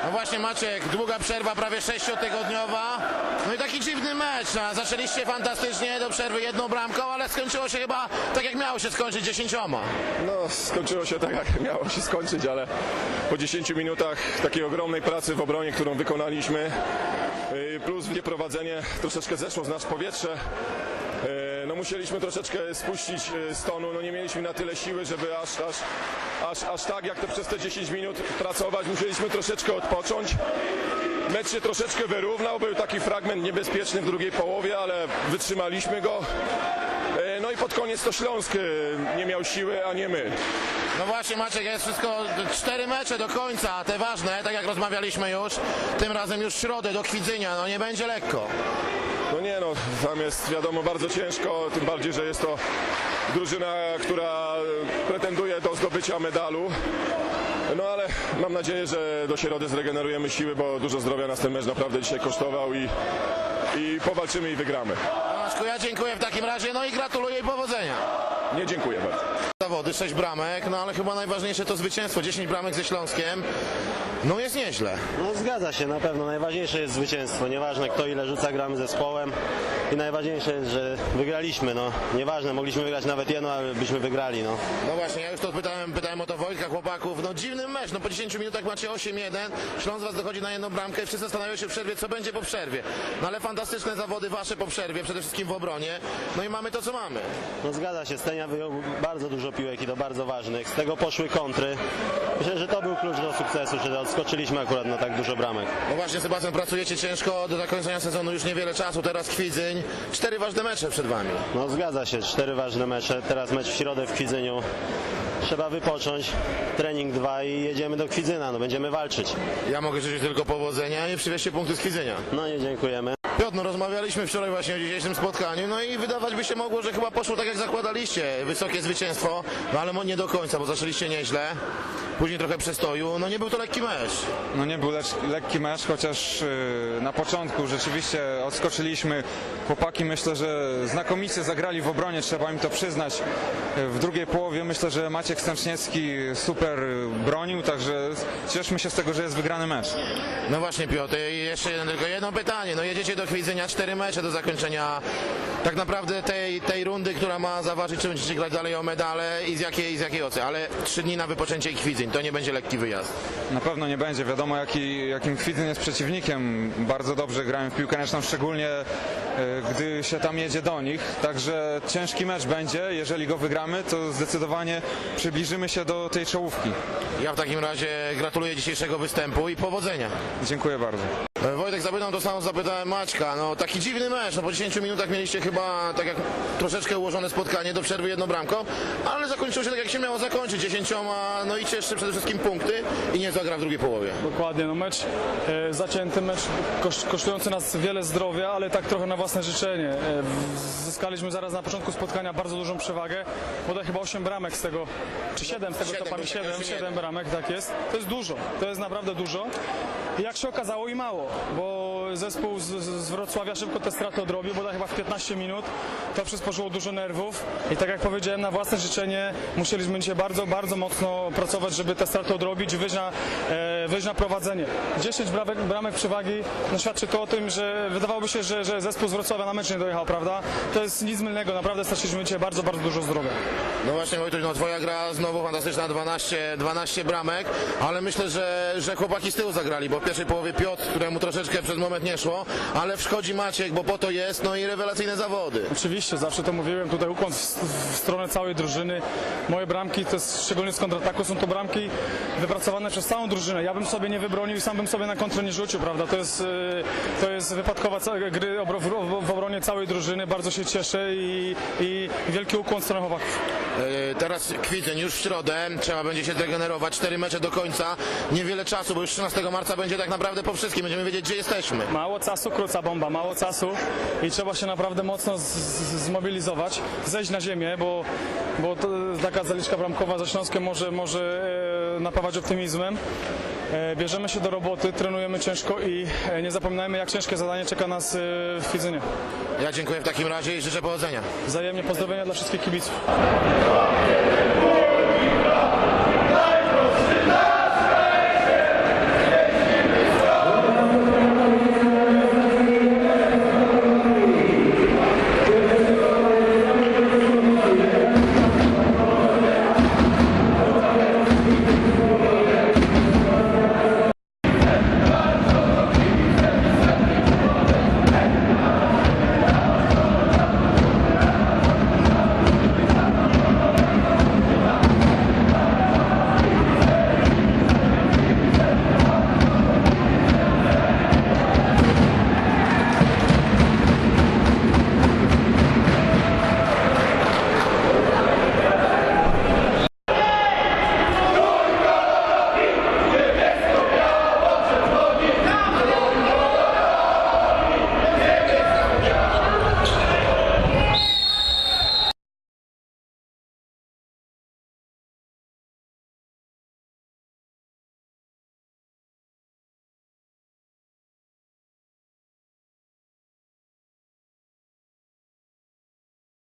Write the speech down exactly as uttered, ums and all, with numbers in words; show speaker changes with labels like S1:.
S1: No właśnie Maciek, długa przerwa, prawie sześciotygodniowa. No i taki dziwny mecz. No, zaczęliście fantastycznie do przerwy jedną bramką, ale skończyło się chyba tak jak miało się skończyć, dziesięcioma.
S2: No, skończyło się tak jak miało się skończyć, ale po dziesięciu minutach takiej ogromnej pracy w obronie, którą wykonaliśmy, yy, plus prowadzenie troszeczkę zeszło z nas powietrze. Yy, No musieliśmy troszeczkę spuścić yy, z tonu, no nie mieliśmy na tyle siły, żeby aż, aż, aż, aż tak jak to przez te dziesięć minut pracować. Musieliśmy troszeczkę odpocząć. Mecz się troszeczkę wyrównał, był taki fragment niebezpieczny w drugiej połowie, ale wytrzymaliśmy go. Yy, No i pod koniec to Śląsk yy, nie miał siły, a nie my.
S1: No właśnie Maciek, jest wszystko cztery mecze do końca, te ważne, tak jak rozmawialiśmy już. Tym razem już w środę do Kwidzynia, no nie będzie lekko.
S2: No nie no, tam jest wiadomo bardzo ciężko, tym bardziej, że jest to drużyna, która pretenduje do zdobycia medalu. No ale mam nadzieję, że do środy zregenerujemy siły, bo dużo zdrowia nas ten mecz naprawdę dzisiaj kosztował i, i powalczymy i wygramy.
S1: Tomaszku, ja dziękuję w takim razie, no i gratuluję i powodzenia.
S2: Nie, dziękuję bardzo.
S1: Zawody, sześć bramek, no ale chyba najważniejsze to zwycięstwo, dziesięć bramek ze Śląskiem. No jest nieźle.
S3: No zgadza się, na pewno. Najważniejsze jest zwycięstwo. Nieważne kto ile rzuca, gramy zespołem. I najważniejsze jest, że wygraliśmy. No. Nieważne, mogliśmy wygrać nawet jedno, ale byśmy wygrali. No.
S1: No właśnie, ja już to pytałem, pytałem o to Wojtka, chłopaków. No dziwny mecz, no po dziesięciu minutach macie osiem jeden, Śląsk was dochodzi na jedną bramkę i wszyscy zastanawiają się w przerwie, co będzie po przerwie. No ale fantastyczne zawody wasze po przerwie, przede wszystkim w obronie. No i mamy to, co mamy.
S3: No zgadza się, Stenia wyjął bardzo dużo piłek i to bardzo ważnych. Z tego poszły kontry. Myślę, że to był klucz do sukcesu, że odskoczyliśmy akurat na tak dużo bramek.
S1: No właśnie, Sebastian, pracujecie ciężko, do zakończenia sezonu już niewiele czasu, teraz Kwidzyń. Cztery ważne mecze przed wami.
S3: No zgadza się, cztery ważne mecze. Teraz mecz w środę w Kwidzyniu. Trzeba wypocząć, trening dwa i jedziemy do Kwidzyna. No będziemy walczyć.
S1: Ja mogę życzyć tylko powodzenia i przywieźcie punkty z Kwidzynia.
S3: No nie dziękujemy.
S1: Piotr, no rozmawialiśmy wczoraj właśnie o dzisiejszym spotkaniu, no i wydawać by się mogło, że chyba poszło tak jak zakładaliście, wysokie zwycięstwo, no ale nie do końca, bo zaczęliście nieźle, później trochę przestoju, no nie był to lekki mecz.
S4: No nie był lecz, lekki mecz, chociaż yy, na początku rzeczywiście odskoczyliśmy. Chłopaki myślę, że znakomicie zagrali w obronie, trzeba im to przyznać. W drugiej połowie myślę, że Maciek Stęczniewski super bronił, także cieszmy się z tego, że jest wygrany mecz.
S1: No właśnie Piotr, i jeszcze jeden, tylko jedno pytanie, no jedziecie do Kwidzynia, cztery mecze do zakończenia tak naprawdę tej, tej rundy, która ma zaważyć, czy będziecie grać dalej o medale i z jakiej, z jakiej ocy, ale trzy dni na wypoczęcie i Kwidzyń, to nie będzie lekki wyjazd.
S4: Na pewno nie będzie, wiadomo jaki, jakim Kwidzyn jest przeciwnikiem, bardzo dobrze grają w piłkę ręczną, szczególnie yy, gdy się tam jedzie do nich, także ciężki mecz będzie, jeżeli go wygramy, to zdecydowanie przybliżymy się do tej czołówki.
S1: Ja w takim razie gratuluję dzisiejszego występu i powodzenia.
S4: Dziękuję bardzo.
S1: Wojtek, zapytał to samo, zapytałem Maćka, no taki dziwny mecz, no po dziesięciu minutach mieliście chyba tak jak troszeczkę ułożone spotkanie do przerwy jedną bramką, ale zakończyło się tak jak się miało zakończyć, dziesięcioma, no i cieszcie przede wszystkim punkty i nie zagra w drugiej połowie.
S5: Dokładnie, no mecz e, zacięty, mecz koszt, kosztujący nas wiele zdrowia, ale tak trochę na własne życzenie. E, zyskaliśmy zaraz na początku spotkania bardzo dużą przewagę, bodaj chyba osiem bramek z tego, czy siedem z tego,
S1: siedem,
S5: co pamiętam,
S1: bo tak
S5: siedem,
S1: już nie
S5: siedem bramek, tak jest. To jest dużo, to jest naprawdę dużo. I jak się okazało i mało, bo zespół z, z Wrocławia szybko te straty odrobił, bodaj chyba w piętnaście minut. To przysporzyło dużo nerwów i tak jak powiedziałem, na własne życzenie musieliśmy dzisiaj bardzo, bardzo mocno pracować, żeby te straty odrobić i wyjść na, e, wyjść na prowadzenie. dziesięć bramek, bramek przewagi, no świadczy to o tym, że wydawałoby się, że, że zespół z Wrocławia na mecz nie dojechał, prawda? To jest nic mylnego, naprawdę straciliśmy dzisiaj bardzo, bardzo dużo zdrowia.
S1: No właśnie Wojtuś, no twoja gra znowu fantastyczna, dwanaście, dwanaście bramek, ale myślę, że, że chłopaki z tyłu zagrali, bo w pierwszej połowie Piotr, któremu troszeczkę przez moment nie szło, ale wszchodzi Maciek, bo po to jest, no i rewelacyjne zawody.
S5: Oczywiście, zawsze to mówiłem, tutaj ukłon w, w stronę całej drużyny. Moje bramki, to jest, szczególnie z kontrataku, są to bramki wypracowane przez całą drużynę. Ja bym sobie nie wybronił i sam bym sobie na kontrę nie rzucił, prawda? To jest, to jest wypadkowa gry w obronie całej drużyny. Bardzo się cieszę i, i wielki ukłon w stronę chłopaków.
S1: Yy, teraz Kwidzyń już w środę, trzeba będzie się zregenerować, cztery mecze do końca, niewiele czasu, bo już trzynastego marca będzie tak naprawdę po wszystkim, będziemy wiedzieć, gdzie jesteśmy.
S5: Mało czasu, króca bomba, mało czasu i trzeba się naprawdę mocno z, z, zmobilizować, zejść na ziemię, bo, bo to, taka zaliczka bramkowa ze Śląskiem może, może e, napawać optymizmem. E, bierzemy się do roboty, trenujemy ciężko i e, nie zapominajmy, jak ciężkie zadanie czeka nas e, w Kwidzynie.
S1: Ja dziękuję w takim razie i życzę powodzenia.
S5: Wzajemnie pozdrowienia dla wszystkich kibiców.